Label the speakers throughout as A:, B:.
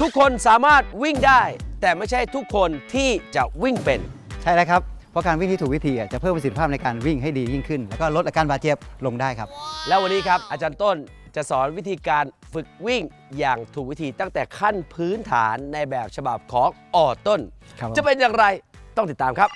A: ทุกคนสามารถวิ่งได้ แต่ไม่ใช่ทุกคนที่จะวิ่งเป็น
B: ใช่แล้วครับเพราะการวิ่งที่ถูกวิธีจะเพิ่มประสิทธิภาพในการวิ่งให้ดียิ่งขึ้นแล้วก็ลดอาการบาดเจ็บลงได้ครับ
A: แล้ววันนี้ครับอาจารย์ต้นจะสอนวิธีการฝึกวิ่งอย่างถูกวิธีตั้งแต่ขั้นพื้นฐานในแบบฉบับของต้นจะเป็นอย่างไรต้องติดตามครับ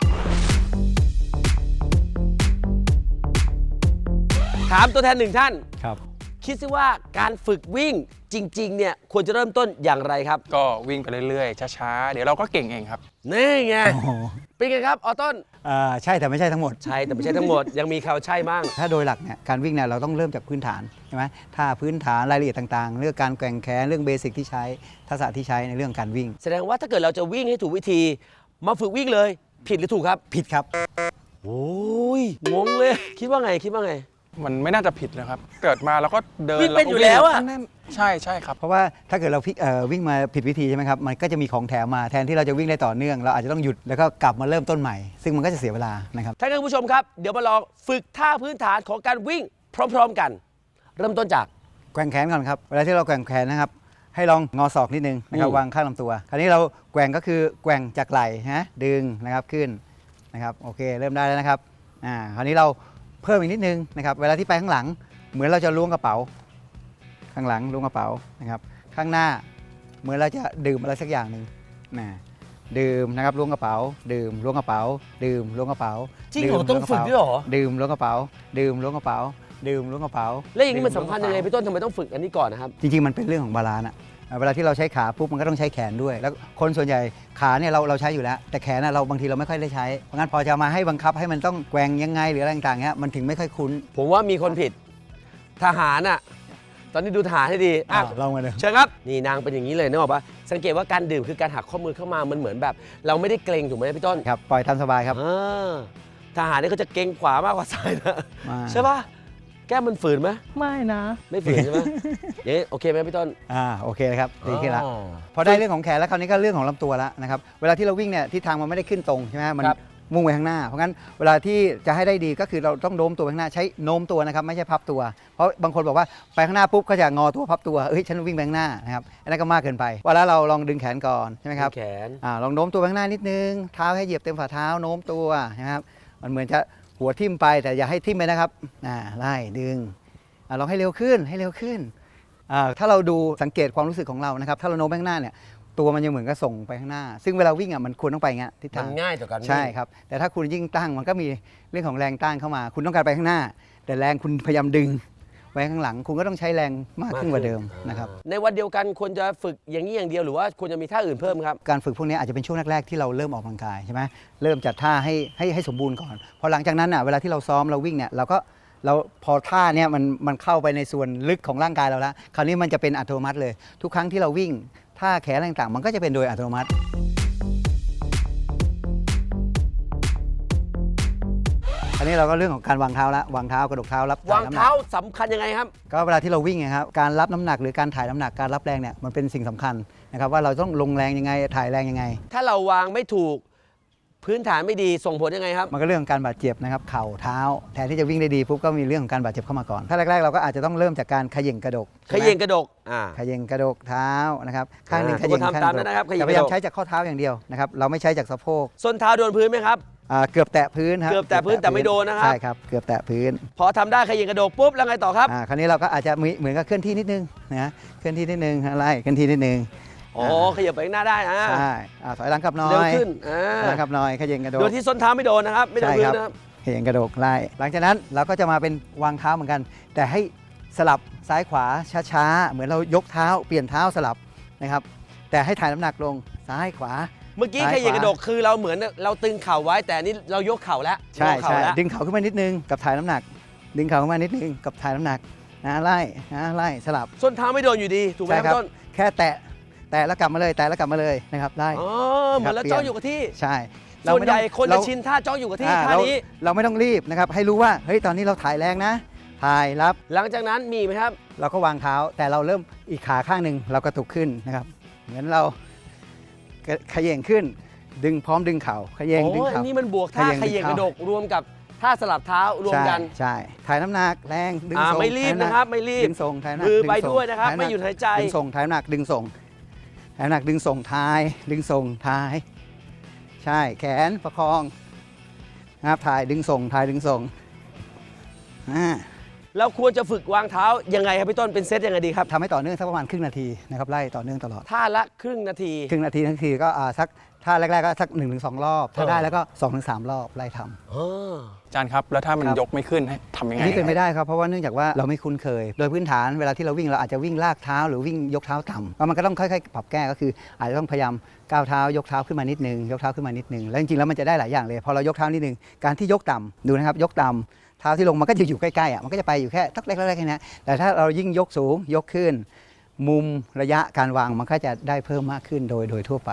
A: ถามตัวแทนหนึ่งท่าน
B: ครับ
A: คิดซิว่าการฝึกวิ่งจริงๆเนี่ยควรจะเริ่มต้นอย่างไรครับ
C: ก็วิ่งไปเรื่อยๆช้าๆเดี๋ยวเราก็เก่งเองครับ
A: นี่ไงเป็นไงครับต้น
B: ใช่แต่ไม่ใช่ทั้งหมด
A: ใช่แต่ไม่ใช่ทั้งหมดยังมีข่าวใช่บ้าง
B: ถ้าโดยหลักเนี่ยการวิ่งเนี่ยเราต้องเริ่มจากพื้นฐานใช่ไหมถ้าพื้นฐานรายละเอียดต่างๆเรื่องการแกว่งแขนเรื่องเบสิกที่ใช้ทักษะที่ใช้ในเรื่องการวิ่ง
A: แสดงว่าถ้าเกิดเราจะวิ่งให้ถูกวิธีมาฝึกวิ่งเลยผิดหรือถูกครับ
B: ผิดครับ
A: โอ้ยงงเลยคิดว่าไง
C: มันไม่น่าจะผิดนะครับเกิดมาเราก็เดิน
A: วิ่งเป็นอยู่แล้วอะ
C: ใช่ครับ
B: เพราะว่าถ้าเกิดเราวิ่งมาผิดวิธีใช่ไหมครับมันก็จะมีของแถมมาแทนที่เราจะวิ่งได้ต่อเนื่องเราอาจจะต้องหยุดแล้วก็กลับมาเริ่มต้นใหม่ซึ่งมันก็จะเสียเวลานะครับ
A: ท่านผู้ชมครับเดี๋ยวมาลองฝึกท่าพื้นฐานของการวิ่งพร้อมๆกันเริ่มต้นจาก
B: แกว่งแขนก่อนครับเวลาที่เราแกว่งแขนนะครับให้ลองงอศอกนิดนึงนะครับวางข้างลำตัวคราวนี้เราแกว่งก็คือแกว่งจากไหล่ฮะดึงนะครับขึ้นนะครับโอเคเริ่มได้แล้วนะครับคราวนี้เราเพิ่มอีกนิดนึงนะครับเวลาที่ไปข้างหลังเหมือนเราจะล้วงกระเป๋าข้างหลังล้วงกระเป๋านะครับข้างหน้าเหมือนเราจะดื่มอะไรสักอย่างหนึ่งดื่มนะครับล้วงกระเป๋าดื่มล้วงกระเป๋าดื่มล้วงกระเป๋า
A: จริงเหรอต้องฝึกด้วยเหรอ
B: ดื่มล้วงกระเป๋าดื่มล้วงกระเป๋าดื่มล้วงกระเป๋า
A: แล้วอย่างนี้มันสำคัญยังไงพี่ต้นทำไมต้องฝึกอันนี้ก่อนนะครับ
B: จริงๆมันเป็นเรื่องของบาลานซ์เวลาที่เราใช้ขาปุ๊บมันก็ต้องใช้แขนด้วยแล้วคนส่วนใหญ่ขาเนี่ยเราใช้อยู่แล้วแต่แขนเราบางทีเราไม่ค่อยได้ใช้เพราะงั้นพอจะมาให้บังคับให้มันต้องแกว่งยังไงหรืออะไรต่างๆเงี้ยมันถึงไม่ค่อยคุ้น
A: ผมว่ามีคนผิดทหารตอนนี้ดูทหารให้ดี
B: ลองมาดู
A: เชิญครับนี่นางเป็นอย่างนี้เลยนึกออกปะสังเกตว่าการดื่มคือการหักข้อมือเข้ามามันเหมือนแบบเราไม่ได้เกรงถูกไหมพี่ต้น
B: ครับปล่อยทำสบายครับ
A: ทหารนี่เขาจะเกรงขวามากกว่าซ้ายนะใช่ปะแก้มมันฝืนไหม
B: ไม่นะ
A: ไม่ฝืนใช่ไหมอย่างนี้โอเคไหมพี่ต้น
B: โอเคเลยครับดีขึ้นแล้วพอได้เรื่องของแขนแล้วคราวนี้ก็เรื่องของลำตัวแล้วนะครับเวลาที่เราวิ่งเนี่ยทิศทางมันไม่ได้ขึ้นตรงใช่ไหมมันมุ่งไปข้างหน้าเพราะงั้นเวลาที่จะให้ได้ดีก็คือเราต้องโน้มตัวไปข้างหน้าใช้โน้มตัวนะครับไม่ใช่พับตัวเพราะบางคนบอกว่าไปข้างหน้าปุ๊บก็จะงอตัวพับตัวฉันวิ่งไปข้างหน้านะครับอันนั้นก็มากเกินไปเวลาเราลองดึงแขนก่อนใช่ไหมครับ
A: แขน
B: ลองโน้มตัวไปข้างหน้านิดนึงเท้าให้เหยียบเต็มฝ่าเท้าโน้มตัวนะครับมันเหมือนจะหัวทิ่มไปแต่อย่าให้ทิ่มไปนะครับไล่ดึงลองให้เร็วขึ้นถ้าเราดูสังเกตความรู้สึกของเรานะครับถ้าเราโน้มไปข้างหน้าเนี่ยตัวมันยังเหมือนกับส่งไปข้างหน้าซึ่งเวลาวิ่งมันควรต้องไปอย่างเงี้ยทิศทาง
A: ง่ายต่อการ
B: ใช่ครับแต่ถ้าคุณยิ่งตั้งมันก็มีเรื่องของแรงต้านเข้ามาคุณต้องการไปข้างหน้าแต่แรงคุณพยายามดึงไว้ข้างหลังคุณก็ต้องใช้แรงมากขึ้นกว่าเดิมนะครับ
A: ในวันเดียวกันควรจะฝึกอย่างนี้อย่างเดียวหรือว่าควรจะมีท่าอื่นเพิ่มครับ
B: การฝึกพวกนี้อาจจะเป็นช่วงแรกๆที่เราเริ่มออกกำลังกายใช่ไหมเริ่มจัดท่าให้สมบูรณ์ก่อนพอหลังจากนั้นเวลาที่เราซ้อมเราวิ่งเนี่ยเราพอท่าเนี่ยมันเข้าไปในส่วนลึกของร่างกายเราแล้วคราวนี้มันจะเป็นอัตโนมัติเลยทุกครั้งที่เราวิ่งท่าแขนต่างๆมันก็จะเป็นโดยอัตโนมัติอันนี้เราก็เรื่องของการวางเท้าละวางเท้ากระดกเท้ารับ
A: วางเท้าสำคัญยังไงครับ
B: ก็เวลาที่เราวิ่งนะครับการรับน้ำหนักหรือการถ่ายน้ำหนักการรับแรงเนี่ยมันเป็นสิ่งสำคัญนะครับว่าเราต้องลงแรงยังไงถ่ายแรงยังไง
A: ถ้าเราวางไม่ถูกพื้นฐานไม่ดีส่งผลยังไงครับ
B: มันก็เรื่องของการบาดเจ็บนะครับเข่าเท้าแทนที่จะวิ่งได้ดีปุ๊บก็มีเรื่องของการบาดเจ็บเข้ามาก่อนถ้าแรกๆเราก็อาจจะต้องเริ่มจากการเขย่งกระดก
A: เขย่งกระดก
B: เท้านะครับข้างหนึ่งเขย่งข้างหนึ่งแต่พยายามใช้จากข้อเท้าอย่างเดียวนะครับเราไม่ใช้จากสะโพก
A: ส้นเท้าโดนพื้นไหมครับ
B: เกือบแตะพื้นครับ
A: เกือบแตะพื้นแต่ไม่โดนนะครับ
B: ใช่ครับเกือบแตะพื้น
A: พอทำได้เขย่งกระดกปุ๊บแล้วไงต่อครับ
B: คราวนี้เราก็อาจจะเหมือนกับเคลื่อนที่นิดนึงนะเคลื่อนที่นิดนึงอะไรเคลื่อนที่นิดนึง
A: ขยับไปข้างหน้าได้
B: ใช่ถอยหลังกลับน้อย
A: เร็วขึ้น
B: หลังกลับน้อยเขย่งกระดก
A: โดยที่ส้นเท้าไม่โดนนะครับไม่โดนพื้นนะครับ
B: เขย่งกระดกไล่หลังจากนั้นเราก็จะมาเป็นวางเท้าเหมือนกันแต่ให้สลับซ้ายขวาช้าๆเหมือนเรายกเท้าเปลี่ยนเท้าสลับนะครับแต่ให้ถ่ายน้ำหนักลงซ้ายขวา
A: เมื่อกี้เขย่งกระดกคือเราเหมือนเราตึงเข่าไว้แต่นี่เรายกเข่าแล้ว
B: ใช่ดึงเข่าขึ้นมานิดนึงกับถ่ายน้ำหนักดึงเข่าขึ้นมานิดนึงกับถ่ายน้ำหนักไล่สลับ
A: ส้นเท้าไม่โดนอยู่ดีถูกไหมครับต้น
B: แค่แตะแล้วกลับมาเลยนะครับได้
A: เหมือนเราจ้องอยู่กับที่
B: ใช่
A: ส่วนใหญ่คนจะชินท่าจ้องอยู่กับที่ท่านี้
B: เราไม่ต้องรีบนะครับให้รู้ว่าเฮ้ยตอนนี้เราถ่ายแรงนะถ่ายรับ
A: หลังจากนั้นมีไหมครับ
B: เราก็วางเท้าแต่เราเริ่มอีกขาข้างหนึ่งเรากระตุกขึ้นนะครับเหมือนเราเขย่งขึ้นดึงพร้อมดึงเข่าเขย่งดึงเข่า
A: นี่มันบวกท่าเขย่งกระดกรวมกับท่าสลับเท้ารวมกัน
B: ใช่ถ่ายน้ำหนักแรงดึงส่ง
A: ไม่รีบนะครับไม่รีบ
B: ดึงส่งถ่ายน้ำหนัก
A: มือไปด้วยนะครับไม่หยุดหายใจ
B: ดึงส่งถ่ายน้ำหนักดึงส่งให้น้ำหนักดึงส่งท้ายดึงส่งท้ายใช่แขนประคองนะครับถ่ายดึงส่งถ่ายดึงส่ง
A: เราควรจะฝึกวางเท้ายังไงครับพี่ต้นเป็นเซตยังไงดีครับ
B: ทำให้ต่อเนื่องสักประมาณครึ่งนาทีนะครับไล่ต่อเนื่องตลอด
A: ท่าละครึ่งนาที
B: ทั้งทีก็สักท่าแรกๆก็สัก 1-2 รอบถ้าได้แล้วก็ 2-3 รอบไล่ทำ
C: อาจารย์ครับแล้วถ้ามันยกไม่ขึ้นให้ทำยังไง
B: นี่เป็นไม่ได้ครับเพราะว่าเนื่องจากว่าเราไม่คุ้นเคยโดยพื้นฐานเวลาที่เราวิ่งเราอาจจะวิ่งลากเท้าหรือวิ่งยกเท้าต่ำแล้วมันก็ต้องค่อยๆปรับแก้ก็คืออาจจะต้องพยายามก้าวเท้ายกเท้าขึ้นมานิดนึงยกเท้าขึ้นมานิดนึงแล้วจริงๆแล้วมันจะได้หลายอย่างเลยพอเรายกเท้านิดนึงการที่ยกต่ำดูนะครับยกต่ำเท้าที่ลงมันก็จะอยู่ใกล้ๆมันก็จะไปอยู่แค่ทักเล็กๆแค่นี้แต่ถ้าเรายิ่งยกสูงยกขึ้นมุมระยะการวางมันก็จะได้เพิ่มมากขึ้นโดยทั่วไป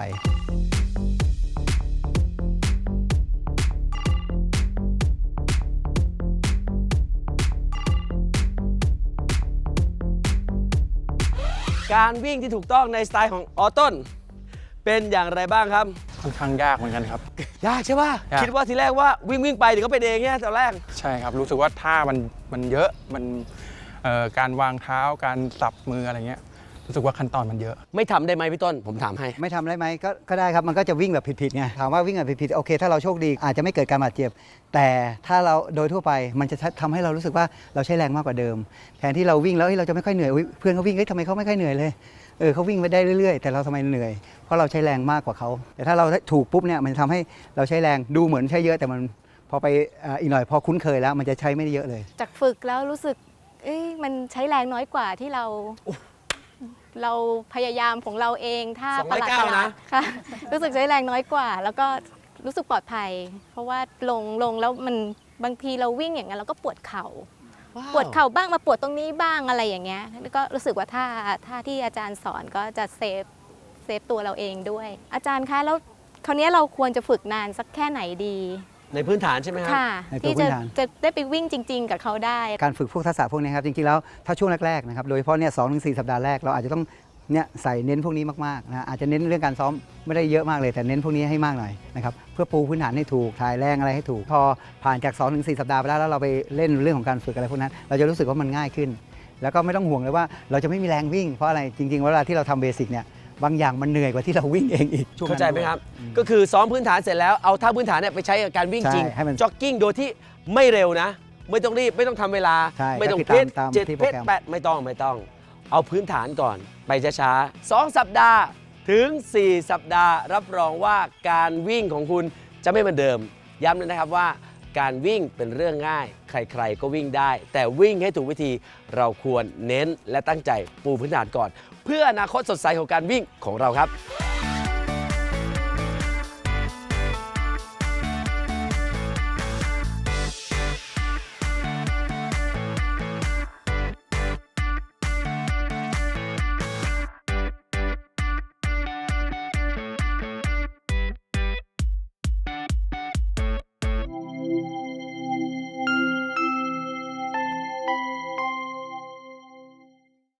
A: การวิ่งที่ถูกต้องในสไตล์ของออต้นเป็นอย่างไรบ้างครับ
C: ค่อนข้างยากเหมือนกันครับ
A: ยากใช่ป่ะคิดว่าทีแรกว่าวิ่งไปเดี๋ยวก็เป็นเองเนี่ยตอนแรก
C: ใช่ครับรู้สึกว่าท่ามันเยอะมันการวางเท้าการสับมืออะไรเงี้ยรู้สึกว่าขั้นตอนมันเยอะ
A: ไม่ทำได้ไหมพี่ต้นผมถามให้
B: ไม่ทำได้ไหมก็ได้ครับมันก็จะวิ่งแบบผิดๆไงถามว่าวิ่งแบบผิดๆโอเคถ้าเราโชคดีอาจจะไม่เกิดการบาดเจ็บแต่ถ้าเราโดยทั่วไปมันจะทำให้เรารู้สึกว่าเราใช้แรงมากกว่าเดิมแทนที่เราวิ่งแล้วเราจะไม่ค่อยเหนื่อยเพื่อนเขาวิ่งทำไมเขาไม่ค่อยเหนื่อยเลยเขาวิ่งไปได้เรื่อยๆแต่เราทำไมเหนื่อยเพราะเราใช้แรงมากกว่าเขาแต่ถ้าเราถูกปุ๊บเนี่ยมันทำให้เราใช้แรงดูเหมือนใช้เยอะแต่มันพอไปอีกหน่อยพอคุ้นเคยแล้วมันจะใช้ไม่ได้เยอะเลย
D: จากฝึกแล้วรู้สึกมันใช้แรงน้อยกว่าที่เราพยายามของเราเองถ้าประหลาดนะค่ะรู้สึกใช้แรงน้อยกว่าแล้วก็รู้สึกปลอดภัยเพราะว่าลงแล้วมันบางทีเราวิ่งอย่างนั้นเราก็ปวดเข่าปวดเข่าบ้างมาปวดตรงนี้บ้างอะไรอย่างเงี้ยแล้วก็รู้สึกว่าถ้าที่อาจารย์สอนก็จะเซฟตัวเราเองด้วยอาจารย์คะแล้วคราวนี้เราควรจะฝึกนานสักแค่ไหนดี
A: ในพื้นฐานใช่ไหมครับ
D: ค่ะที่จะได้ไปวิ่งจริงๆกับเขาได้
B: การฝึกพวกทักษะพวกนี้ครับจริงๆแล้วถ้าช่วงแรกๆนะครับโดยเฉพาะเนี่ย2-4 สัปดาห์แรกเราอาจจะต้องเนี่ยใส่เน้นพวกนี้มากๆนะอาจจะเน้นเรื่องการซ้อมไม่ได้เยอะมากเลยแต่เน้นพวกนี้ให้มากหน่อยนะครับเพื่อปูพื้นฐานให้ถูกถ่ายแรงอะไรให้ถูกพอผ่านจาก 2-4 สัปดาห์ไปแล้วเราไปเล่นเรื่องของการฝึกอะไรพวกนั้นเราจะรู้สึกว่ามันง่ายขึ้นแล้วก็ไม่ต้องห่วงเลยว่าเราจะไม่มีแรงวิ่งเพราะอะไรจริงๆเวลาที่เราทำเบสิกเนี่ยบางอย่างมันเหนื่อยกว่าที่เราวิ่งเองอีก
A: เข้าใจไหมครับก็คือซ้อมพื้นฐานเสร็จแล้วเอาท่าพื้นฐานเนี่ยไปใช้กับการวิ่งจริงจ็อกกิ้งโดยที่ไม่เร็วนะไม่ต้องรีบไม่ต้องทำเวลาไม่ต้องเพชร7 เพชร 8ไม่ต้องเอาพื้นฐานก่อนไปช้าๆ2 สัปดาห์ถึง 4 สัปดาห์รับรองว่าการวิ่งของคุณจะไม่เหมือนเดิมย้ำเลยนะครับว่าการวิ่งเป็นเรื่องง่ายใครๆก็วิ่งได้แต่วิ่งให้ถูกวิธีเราควรเน้นและตั้งใจปูพื้นฐานก่อนเพื่ออนาคตสดใสของการวิ่งของเราครับ